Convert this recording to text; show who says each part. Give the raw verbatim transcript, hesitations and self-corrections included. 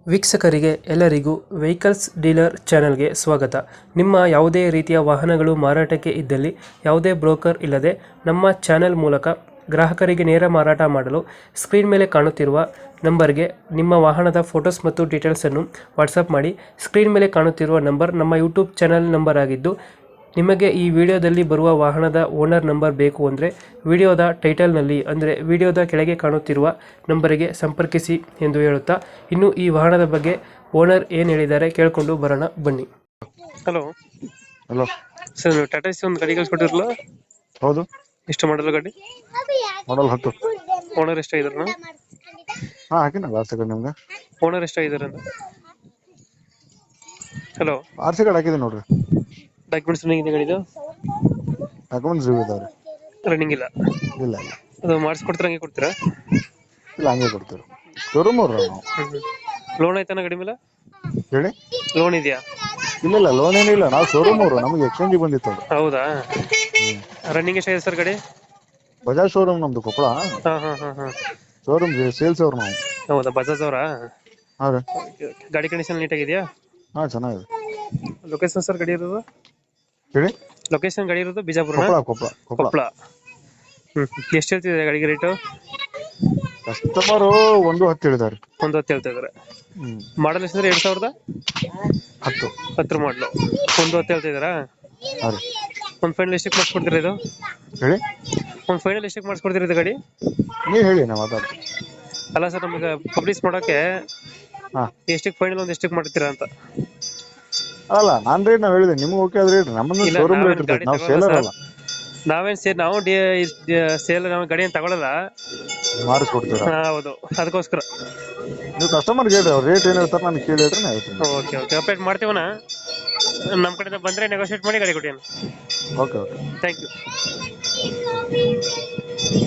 Speaker 1: ವೀಕ್ಷಕರಿಗೆ ಎಲ್ಲರಿಗೂ vehicles dealer ಚಾನೆಲ್ಗೆ ಸ್ವಾಗತ. ನಿಮ್ಮ ಯಾವುದೇ ರೀತಿಯ ವಾಹನಗಳು ಮಾರಾಟಕ್ಕೆ ಇದ್ದಲ್ಲಿ ಯಾವುದೇ ಬ್ರೋಕರ್ ಇಲ್ಲದೆ ನಮ್ಮ ಚಾನೆಲ್ ಮೂಲಕ ಗ್ರಾಹಕರಿಗೆ ನೇರ ಮಾರಾಟ ಮಾಡಲು ಸ್ಕ್ರೀನ್ ಮೇಲೆ ಕಾಣುತ್ತಿರುವ ನಂಬರ್ಗೆ ನಿಮ್ಮ ವಾಹನದ ಫೋಟೋಸ್ ಮತ್ತು ಡೀಟೇಲ್ಸನ್ನು ವಾಟ್ಸಪ್ ಮಾಡಿ. ಸ್ಕ್ರೀನ್ ಮೇಲೆ ಕಾಣುತ್ತಿರುವ ನಂಬರ್ ನಮ್ಮ ಯೂಟ್ಯೂಬ್ ಚಾನೆಲ್ ನಂಬರ್ ಆಗಿದ್ದು, ನಿಮಗೆ ಈ ವಿಡಿಯೋದಲ್ಲಿ ಬರುವ ವಾಹನದ ಓನರ್ ನಂಬರ್ ಬೇಕು ಅಂದರೆ ವಿಡಿಯೋದ ಟೈಟಲ್ನಲ್ಲಿ ಅಂದರೆ ವಿಡಿಯೋದ ಕೆಳಗೆ ಕಾಣುತ್ತಿರುವ ನಂಬರಿಗೆ ಸಂಪರ್ಕಿಸಿ ಎಂದು ಹೇಳುತ್ತಾ, ಇನ್ನು ಈ ವಾಹನದ ಬಗ್ಗೆ ಓನರ್ ಏನು ಹೇಳಿದ್ದಾರೆ ಕೇಳಿಕೊಂಡು ಬರೋಣ ಬನ್ನಿ. ಹಲೋ
Speaker 2: ಹಲೋ
Speaker 1: ಸರ್, ಟಾಟಾ ಸಿ ಒಂದು ಗಾಡಿ ಕಳಿಸ್ಕೊಟ್ಟಿರಲ್ಲ,
Speaker 2: ಹೌದು,
Speaker 1: ಎಷ್ಟು ಮಾಡಲ್ಲ ಗಾಡಿ?
Speaker 2: ಮಾಡಲ್ ಹತ್ತು.
Speaker 1: ಓನರ್ ಎಷ್ಟಾಗಿದಾರ?
Speaker 2: ಹಾ ಹಾಕಿನ ಆರ್ ಸಿ ಕಾರ್ಡ್ ನಿಮ್ಗೆ.
Speaker 1: ಓನರ್ ಎಷ್ಟಾಗಿದಾರೆ ಅಂತ? ಹಲೋ,
Speaker 2: ಆರ್ ಸಿ ಕಾರ್ಡ್ ಹಾಕಿದೆ ನೋಡ್ರಿ.
Speaker 1: ಡಾಕ್ಯುಮೆಂಟ್ಸ್ ರನ್ನಿಂಗ್ ಇದೆ ಗಾಡಿದು?
Speaker 2: ಡಾಕ್ಯುಮೆಂಟ್ಸ್ ಜೀವ ಇದಾವ್ರಿ.
Speaker 1: ರನ್ನಿಂಗ್ ಇಲ್ಲ?
Speaker 2: ಇಲ್ಲ ಇಲ್ಲ
Speaker 1: ಅದು ಮಾಡಿಸ್ಕೊಡ್ತೀರ, ಹಂಗೆ ಕೊಡ್ತೀರಾ?
Speaker 2: ಇಲ್ಲ ಹಂಗೆ ಕೊಡ್ತೀವಿ. ಶೋರೂಮ್ ಅವ್ರ ನಾವು.
Speaker 1: ಲೋನ್ ಆಯ್ತಾನ ಗಾಡಿ ಮೇಲೆ?
Speaker 2: ಹೇಳಿ.
Speaker 1: ಲೋನ್ ಇದೆಯಾ?
Speaker 2: ಇಲ್ಲ ಇಲ್ಲ ಲೋನ್ ಏನಿಲ್ಲ, ನಾವು ಶೋರೂಮ್ ಅವರು. ನಮಗೆ ಎಕ್ಸ್ಚೇಂಜ್ ಬಂದಿತ್ತು ಅದು.
Speaker 1: ಹೌದಾ?
Speaker 2: ಹ್ಮ್.
Speaker 1: ರನ್ನಿಂಗ್ ಎಷ್ಟಾಗಿದೆ ಸರ್ ಗಾಡಿ?
Speaker 2: ಬಜಾಜ್ ಶೋರೂಮ್ ನಮ್ದು ಕೊಪ್ಪಳ.
Speaker 1: ಹಾ ಹಾ ಹಾ ಹಾ
Speaker 2: ಶೋರೂಮ್ ಸೇಲ್ಸ್ ಅವ್ರು ನಾವು.
Speaker 1: ಹೌದಾ, ಬಜಾಜ್ ಅವರಾ?
Speaker 2: ಹಾ ರೀ.
Speaker 1: ಗಾಡಿ ಕಂಡೀಷನ್ ನೀಟಾಗಿದೆಯಾ?
Speaker 2: ಹಾ ಚೆನ್ನಾಗಿದೆ.
Speaker 1: ಲೊಕೇಶನ್ ಸರ್ ಗಾಡಿ ಇರೋದು?
Speaker 2: ಹೇಳಿ.
Speaker 1: ಲೊಕೇಶನ್ ಗಾಡಿ ಇರೋದು ಬಿಜಾಪುರ?
Speaker 2: ಕೊಪ್ಪಳ ಕೊಪ್ಪಳ ಕೊಪ್ಪಳ.
Speaker 1: ಕೊಪ್ಪಳ. ಹ್ಮ್, ಎಷ್ಟು ಹೇಳ್ತಿದೆ ಗಾಡಿಗೆ ರೇಟು?
Speaker 2: ಕಸ್ಟಮರು ಒಂದು ಹತ್ತು ಹೇಳಿದಾರೆ.
Speaker 1: ಒಂದು ಹತ್ತು ಹೇಳ್ತಾ ಇದಾರೆ.
Speaker 2: ಹ್ಮ್.
Speaker 1: ಮಾಡಲ್ ಎಷ್ಟಂದ್ರೆ ಎರಡ್ ಸಾವಿರದ
Speaker 2: ಹತ್ತು
Speaker 1: ಹತ್ತರ ಮಾಡಲು ಒಂದು ಹತ್ತು ಹೇಳ್ತಾ ಇದಾರಾ?
Speaker 2: ಹಾ ರೀ.
Speaker 1: ಒಂದು ಫೈನಲ್ ಎಷ್ಟಕ್ಕೆ ಮಾಡಿಸ್ಕೊಡ್ತೀರಾ ಇದು?
Speaker 2: ಹೇಳಿ.
Speaker 1: ಒಂದು ಫೈನಲ್ ಎಷ್ಟಕ್ಕೆ ಮಾಡಿಸ್ಕೊಡ್ತೀರಾ ಇದು ಗಾಡಿ?
Speaker 2: ನೀವು ಹೇಳಿ, ನಾವು ಮಾತಾಡ್ತೀವಿ.
Speaker 1: ಅಲ್ಲ ಸರ್, ನಮಗೆ ಪಬ್ಲಿಷ್ ಮಾಡೋಕೆ
Speaker 2: ಹಾ
Speaker 1: ಎಷ್ಟಕ್ಕೆ ಫೈನಲ್ ಒಂದು ಎಷ್ಟಕ್ಕೆ ಮಾಡ್ತೀರಾ ಅಂತ?
Speaker 2: ಅಲ್ಲ ನಾನ್ ರೇಟ್ ನಾವ್ ಹೇಳಿದೆ, ನಿಮ್ಗೆ ಓಕೆ ಆದ್ರೆ ಹೇಳ್ರಿ. ನಮ್ಮನ್ನು
Speaker 1: ಇಲ್ಲ,
Speaker 2: ಶೋರೂಮ್
Speaker 1: ನಾವೇನ್
Speaker 2: ರೇಟ್ ಇರ್ತದೆ,
Speaker 1: ಗಾಡಿ
Speaker 2: ನಾವು
Speaker 1: ತಗೊಳಲ್ಲ
Speaker 2: ಸೇಲರ್
Speaker 1: ಸರ್.
Speaker 2: ಅಲ್ಲ.
Speaker 1: ನಾವೇನ್ ಸೇರ್ ನಾವು ಸೇಲ್ ನಾವು ಗಾಡಿ ಏನು ತಗೊಳಲ್ಲ.
Speaker 2: ಮಾಡಿಸ್ಕೊಡ್ತೀರಾ?
Speaker 1: ಹಾ, ಹೌದು, ಅದಕ್ಕೋಸ್ಕರ.
Speaker 2: ನೀವು ಕಸ್ಟಮರ್ಗೆ ಹೇಳ್ರಿ, ಅವ್ರು ರೇಟ್ ಏನ್ ಹೇಳ್ತಾರೆ ನನಗೆ ಕೇಳಿ ಹೇಳ್ರಿ, ನಾನು ಹೇಳ್ತೀನಿ.
Speaker 1: ಓಕೆ ಓಕೆ ಅಪ್ಡೇಟ್ ಮಾಡ್ತೀವಣ್ಣ. ನಮ್ಮ ಕಡೆಯಿಂದ ಬಂದರೆ ನೆಗೋಷಿಯೇಟ್ ಮಾಡಿ ಗಾಡಿ ಕೊಡಿ.
Speaker 2: Okay okay
Speaker 1: thank you.